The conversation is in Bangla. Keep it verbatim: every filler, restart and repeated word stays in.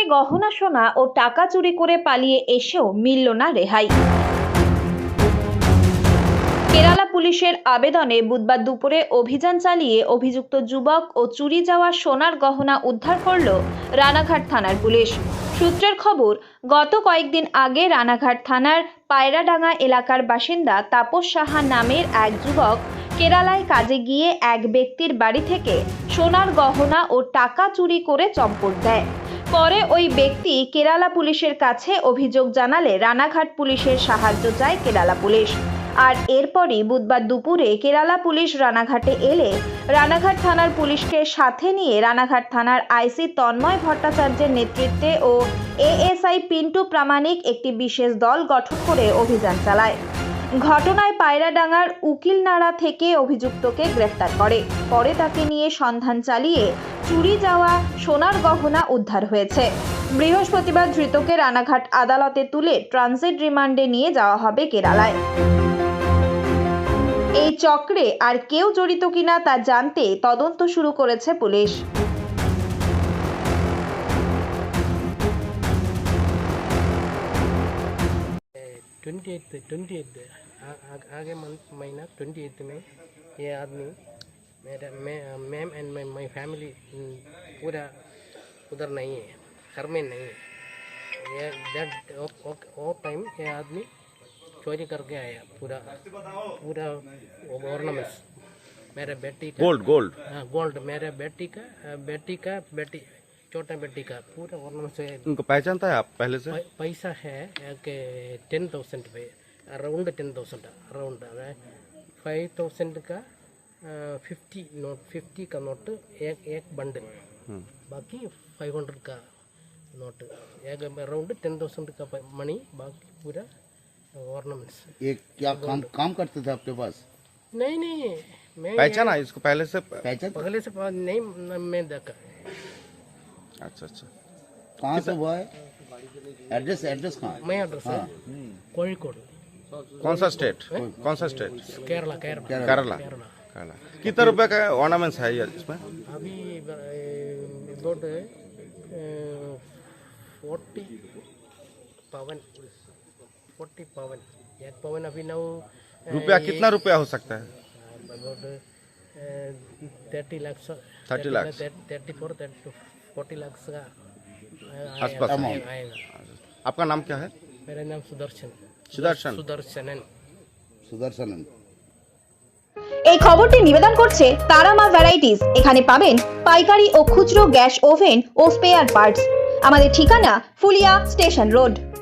গহনা সোনা ও টাকা চুরি করে পালিয়ে এসেও মিলল না রেহাই। কেরালা পুলিশের আবেদনে বুধবার দুপুরে অভিযান চালিয়ে অভিযুক্ত যুবক ও চুরি যাওয়া সোনার গহনা উদ্ধার করল রানাঘাট থানার পুলিশ। সূত্রের খবর, গত কয়েকদিন আগে রানাঘাট থানার পায়রাডাঙ্গা এলাকার বাসিন্দা তাপস সাহা নামের এক যুবক কেরালায় কাজে গিয়ে এক ব্যক্তির বাড়ি থেকে সোনার গহনা ও টাকা চুরি করে চম্পট দেয়। পরে ওই ব্যক্তি কেরালা পুলিশের কাছে অভিযোগ জানালে রানাঘাট পুলিশের সাহায্য চায় কেরালা পুলিশ। আর এরপরই বুধবার দুপুরে কেরালা পুলিশ রানাঘাটে এলে রানাঘাট থানার পুলিশকে সাথে নিয়ে রানাঘাট থানার আইসি তন্ময় ভট্টাচার্যের নেতৃত্বে ও এএসআই পিন্টু প্রামাণিক একটি বিশেষ দল গঠন করে অভিযান চালায়। ঘটনায় পায়রাডাঙ্গার উকিলনাড়া থেকে অভিযুক্তকে গ্রেফতার করে। পরে তাকে নিয়ে সন্ধান চালিয়ে চুরি যাওয়া সোনার গহনা উদ্ধার হয়েছে। বৃহস্পতিবার ধৃতকে রানাঘাট আদালতে তুলে ট্রানজিট রিমান্ডে নিয়ে যাওয়া হবে কেরালায়। এই চক্রে আর কেউ জড়িত কিনা তা জানতে তদন্ত শুরু করেছে পুলিশ। ट्वेंटी एट आगे महीना ट्वेंटी एट में ये आदमी मेरा मैं ma'am and my my family पूरा उधर नहीं है, घर में नहीं है। ये दैट वो टाइम ये आदमी चोरी करके आया पूरा पूरा ऑर्नामेंट्स मेरे बेटी का गोल्ड गोल्ड हाँ गोल्ड मेरे बेटी का बेटी का बेटी छोटा बेटी का पूरा ऑर्नामेंट्स है। उनको पहचानता है आप पहले से? पैसा है कि टेन थाउजेंड पे around ten thousand around five thousand का फिफ्टी नोट फिफ्टी का नोट एक एक बंडल, बाकी फाइव हंड्रेड का नोट एक अराउंड टेन थाउजेंड का मनी, बाकी पूरा ऑर्नामेंट्स। ये क्या काम काम करते थे आपके पास? नहीं नहीं मैं पहचाना इसको पहले से? पहचान पहले से नहीं मैं देखा। अच्छा अच्छा, कहाँ से हुआ है? एड्रेस एड्रेस कहाँ है? मैं एड्रेस है कोഴിക്കോട്। कौन सा स्टेट? कौन सा स्टेट? केरला केरला केरला केरला। कितना रुपए का ऑर्नामेंट्स है ये इसमें? अभी about forty pavan forty pavan एक पवन अभी नौ रुपया कितना रुपया हो सकता है? About thirty lakh thirty lakh thirty four thirty forty lakh का आसपास आएगा। आपका नाम क्या है? मेरा नाम सुदर्शन सुदर्शन सुदर्शनन सुदर्शनन। এই খবরটি নিবেদন করছে তারামা ভ্যারাইটিস। এখানে পাবেন পাইকারি ও খুচরো গ্যাস ওভেন ও স্পেয়ার পার্টস। আমাদের ঠিকানা ফুলিয়া স্টেশন রোড।